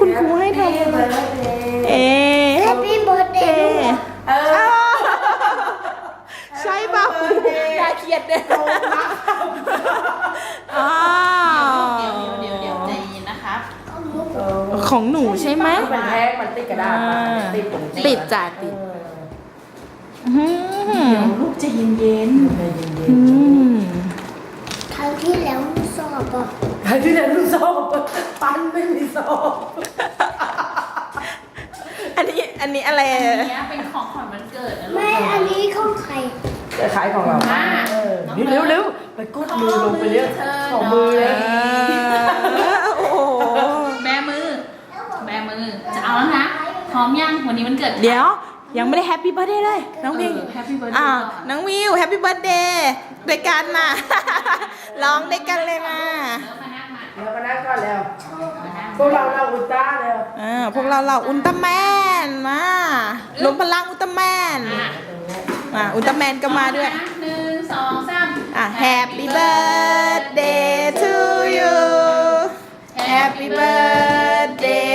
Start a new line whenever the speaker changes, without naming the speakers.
คุณครูให้ทำเอ
Happy birthday
ใช่ป่ะอย่าเขียดเด็กอ้าว
เดี๋ยวใจเย็นนะครับ
ของหนูใช่ไหม
มันแท้มันติดกระดาษติด
ติดจ้ะติด
เดี๋ยวลูกใจเย็น
เย็น
ครั้งที่แล้วสอบอ่ะ
ใครที่ไหนรู้สอบปั้นไม่มีสอบ
อันนี้อะไร
ๆอันนี้เป็นของขวัญวันเกิดนะลูก
ไม่อันนี้ของใคร
จะขายของเรานี่เร็วๆไปกดมือลงไปเรียกของมือเลย
โอ้โห
แบมือ จะเอาแล้วนะ พร้อมยังวันนี้วันเกิด
เดี๋ยวยังไม่ได้แฮปปี้เบิร์ดเดย์เลย น้องวิว
แฮปปี้เบิร์ดเด
อ่า
ย์
น้องวิวแฮปปี้เบิร์ดเดย์ด้วยกันน่ะ ร้องด้วยกันเลยมา
แล้วมานั่งก่อนแล้วพวกเราอุลตร้าแล้ว
พวกเราอุลตร้าแมนมารวมพลังอุลตร้าแมนอุลตร้าแมนก็มาด้วย
1 2 3
Happy birthday to you Happy birthday